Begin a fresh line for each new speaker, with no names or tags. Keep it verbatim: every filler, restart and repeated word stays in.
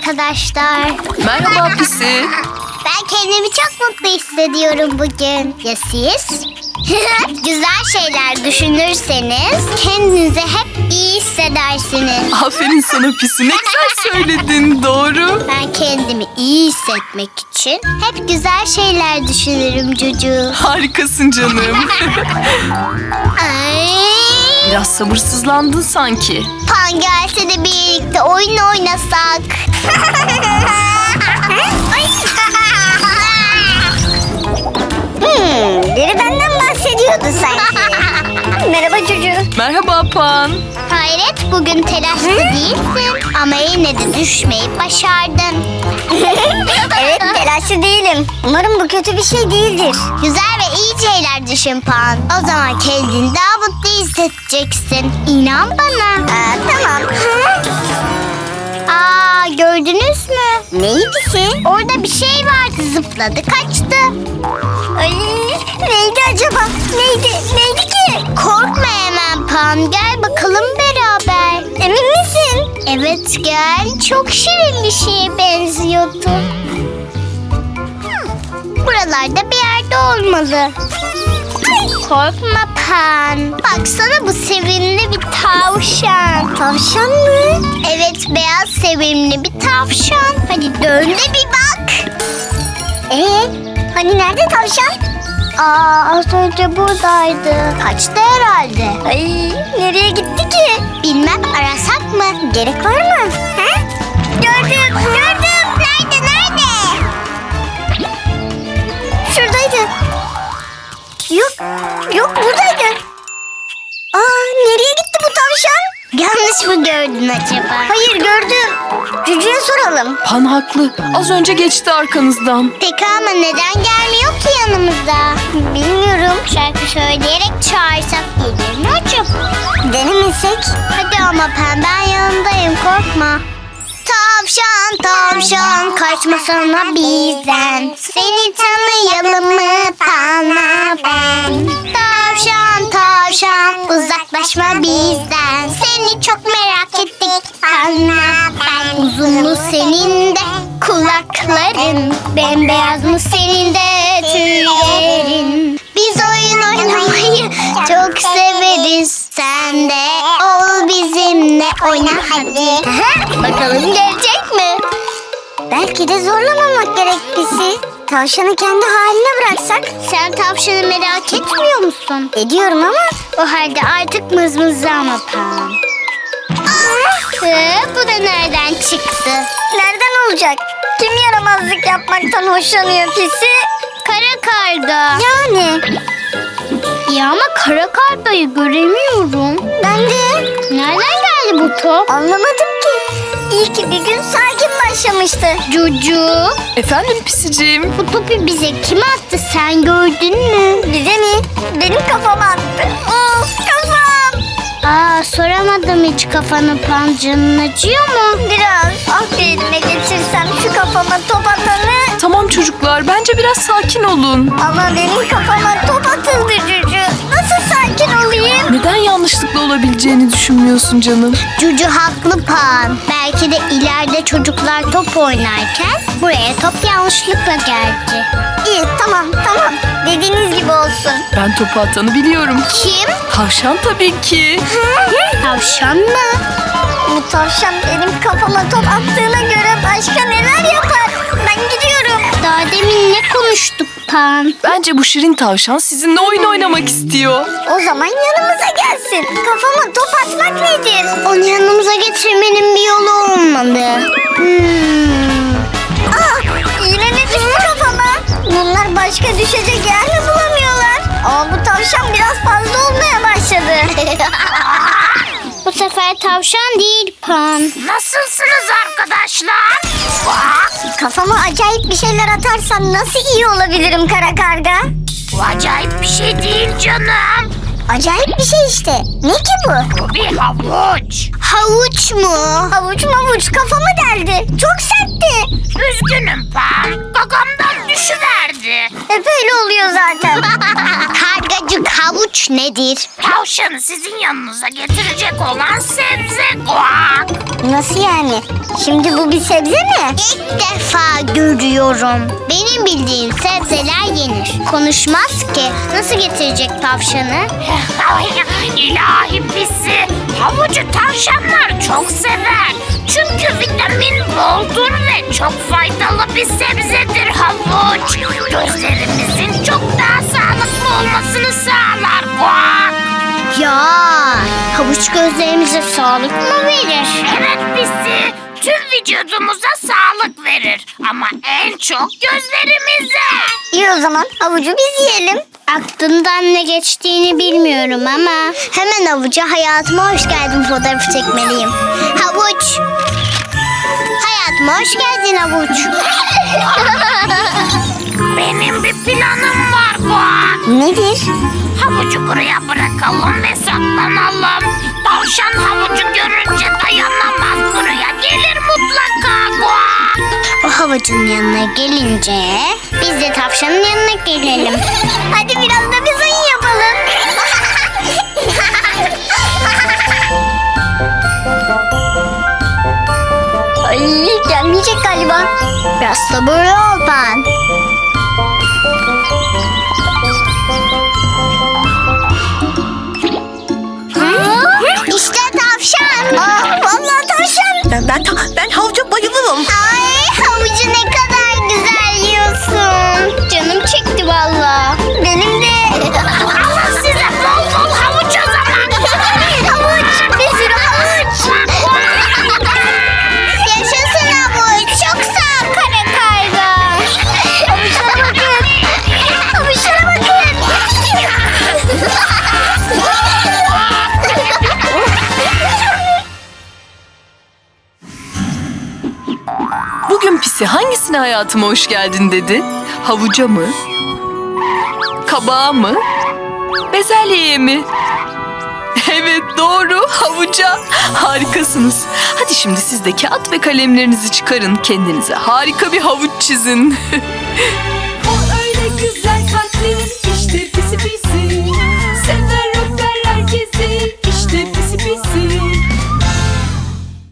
arkadaşlar.
Merhaba Pisi.
Ben kendimi çok mutlu hissediyorum bugün. Ya siz? Güzel şeyler düşünürseniz kendinizi hep iyi hissedersiniz.
Aferin sana Pisi. Ne güzel söyledin. Doğru.
Ben kendimi iyi hissetmek için hep güzel şeyler düşünürüm Cucu.
Harikasın canım.
Ay.
Biraz sabırsızlandın sanki.
Pan gelse de birlikte oyun oynasak. hmm, biri benden bahsediyordu sanki. Merhaba Cucu.
Merhaba Pan.
Hayret, bugün telaşlı değilsin ama yine de düşmeyi başardın.
Evet, telaşlı değilim. Umarım bu kötü bir şey değildir.
Güzel ve iyi şeyler düşün Pan. O zaman kendini daha mutlu hissedeceksin. İnan bana.
Aa, tamam.
Aa, gördünüz mü?
Neyi pisi?
Orada bir şey vardı, zıpladı kaçtı.
Ay, neydi acaba? Neydi? Neydi ki?
Korkma hemen Pan, gel bakalım beraber.
Emin misin?
Evet gel, çok şirin bir şeye benziyordu. Buralarda bir yerde olmalı. Korkma Pan. Baksana, bu sevimli bir tavşan.
Tavşan mı?
Evet, beyaz sevimli bir tavşan. Hadi dön de bir bak.
Ee, hani nerede tavşan?
Aa, az önce buradaydı. Kaçtı herhalde.
Ay, nereye gitti ki?
Bilmem, arasak mı?
Gerek var mı? Ha? Gördüm, gördüm.
Nerede, nerede?
Şuradaydı. Yok, yok buradaydı. Aa, nereye gitti bu tavşan?
Yanlış mı gördün acaba?
Hayır, gördüm. Cücü'ye soralım.
Pan haklı. Az önce geçti arkanızdan.
Peki ama neden gelmiyor ki yanımıza?
Bilmiyorum.
Şarkı söyleyerek çağırsak gelir mi acaba?
Denemesek?
Hadi ama Pen, ben yanındayım, korkma. Tavşan tavşan kaçmasana bizden. Seni tanıyalım mı Pan'a ben? Tavşan tavşan uzaklaşma bizden. Seni çok merak ettik Pan'a ben. Uzun mu senin de kulakların? Bembeyaz mı senin de tüylerin? Biz oyun oynamayı çok severiz. Sen de ol bizimle, oyna hadi. Bakalım gelecek mi?
Belki de zorlamamak gerek bizi. Tavşanı kendi haline bıraksak?
Sen tavşanı merak etmiyor musun?
Ediyorum ama.
O halde artık mızmızlama Pan. Ee, bu da nereden çıktı?
Nereden olacak? Kim yaramazlık yapmaktan hoşlanıyor pisi?
Kara karga.
Yani.
Ya ama kara kargayı göremiyorum.
Ben de.
Nereden geldi bu top?
Anlamadım ki. İyi ki bir gün sakin başlamıştı.
Cucu.
Efendim Pisiciğim.
Bu topu bize kim attı, sen gördün mü?
Bize mi? Benim kafama attı. Of, kafam.
Aa, soramadım hiç kafanı Pan, canın acıyor mu?
Biraz. Ah, bir elime geçirsem şu kafama top atanı.
Tamam çocuklar. Bence biraz sakin olun.
Ama benim kafama top atıldı Cücü. Nasıl sakin olayım?
Neden yanlışlıkla olabileceğini düşünmüyorsun canım?
Cucu haklı Pan. Belki de ileride çocuklar top oynarken buraya top yanlışlıkla geldi.
İyi, tamam tamam. Dediğiniz gibi olsun.
Ben topu atanı biliyorum.
Kim?
Tavşan tabii ki.
Tavşan mı?
Bu tavşan benim kafama top attığına göre başka neler yapar? Ben gidiyorum.
Daha demin ne konuştuk Pan?
Bence bu şirin tavşan sizinle oyun oynamak istiyor.
O zaman yanımıza gelsin. Kafama top atmak nedir?
Onu yanımıza getirmenin bir yolu olmalı. Hmm.
Aa, yine ne düştü kafama? Bunlar başka düşecek yer mi bulamıyorlar? Aa, bu tavşan biraz fazla olmaya başladı.
Bu sefer tavşan değil Pan.
Nasılsınız arkadaşlar? Kafama acayip bir şeyler atarsan nasıl iyi olabilirim kara karga?
Bu acayip bir şey değil canım.
Acayip bir şey işte. Ne ki bu?
Bu bir havuç.
Havuç mu?
Havuç mavuç kafamı deldi. Çok sertti.
Üzgünüm Pan. Gagamdan düşüverdi.
Hep öyle oluyor zaten.
Karga Cacık havuç nedir?
Tavşanı sizin yanınıza getirecek olan sebze guak.
Nasıl yani? Şimdi bu bir sebze mi?
İlk defa görüyorum. Benim bildiğim sebzeler yenir. Konuşmaz ki. Nasıl getirecek tavşanı?
İlahi pisi. Havucu tavşanlar çok sever. Çünkü vitamin boldur ve çok faydalı bir sebzedir havuç. Gözlerimizin çok daha sağlıklı olmasını sağlar guak.
Ya havuç gözlerimize sağlık mı verir?
Evet pisi. Tüm vücudumuza sağlık verir. Ama en çok gözlerimize.
İyi o zaman havucu biz yiyelim.
Aklından ne geçtiğini bilmiyorum ama hemen havuca hayatıma hoş geldin fotoğrafı çekmeliyim. Havuç. Hayatıma hoş geldin havuç.
Benim bir planım var guak.
Nedir?
Havucu buraya bırakalım ve saklanalım. Tavşan havucu görünce dayanamaz, buraya gelir mutlaka guak.
O havucun yanına gelince biz de tavşanın yanına gelelim.
Hadi biraz da biz oyun yapalım. Ay gelmeyecek galiba.
Biraz sabırlı ol ben. İşte tavşan.
Aa, vallahi tavşan.
Ben ben, ta- ben havuca bayılırım.
Ay havucu ne kadar güzel yiyorsun. Canım çekti valla.
Benim de.
Alın size bol bol havuç o zaman.
Havuç. Bir sürü havuç.
Yaşasın havuç. Çok sağ ol kara karga.
Havuçlara bakın. Havuçlara bakın.
Bugün pisi hangisine hayatıma hoş geldin dedi? Havuca mı? Kabağa mı? Bezelyeye mi? Evet doğru, havuca. Harikasınız. Hadi şimdi siz de kağıt ve kalemlerinizi çıkarın. Kendinize harika bir havuç çizin.